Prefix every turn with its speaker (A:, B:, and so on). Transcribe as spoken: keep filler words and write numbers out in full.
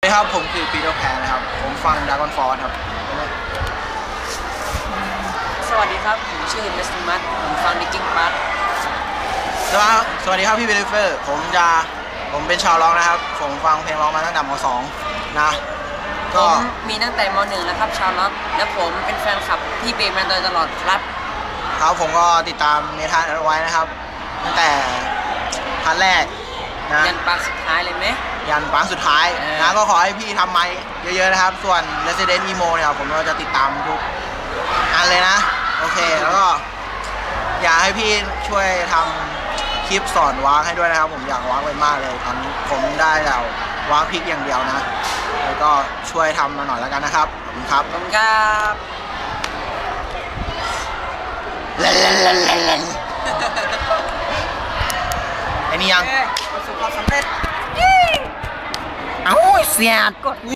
A: ครับผมคือปีเตอร์แพนนะครับผมฟังดากอนฟอร์ครับ
B: สวัสดีครับผมชื่อเนสติมัสผมฟังดิกิ้งบัส
A: สวัสดีครับพี่เบลเฟอร์ผมจะผมเป็นชาวร้องนะครับผมฟังเพลงร้องมาตั้งแต่ม สอง นะ
B: ก็มีตั้งแต่ม หนึ่ง แล้วครับชาวล็อกและผมเป็นแฟนคลับพี่เบย์มาโดยตลอดครับ
A: ครับผมก็ติดตามเมทัลเอาไว้นะครับตั้งแต่พาร์ทแรกนะ
B: ยันปาร์ทสุดท้ายเลยไหม
A: ยันปาร์ทสุดท้ายนะก็ขอให้พี่ทำไมเยอะๆนะครับส่วน Resident Emo เนี่ยผมก็จะติดตามทุกอันเลยนะโอเคแล้วก็อยากให้พี่ช่วยทำคลิปสอนวางให้ด้วยนะครับผมอยากวางไปมากเลยตอนนี้ผมได้แต่วางพริกอย่างเดียวนะแล้วก็ช่วยทำมาหน่อยแล้วกันนะครับขอบคุณครับ
B: ขอบคุณครับ
A: เล่นเล่นเล่นเล่นเล่นไอ้นี่ยัง
B: ประสบความสำเร็จ
A: เอ้าเสียดกด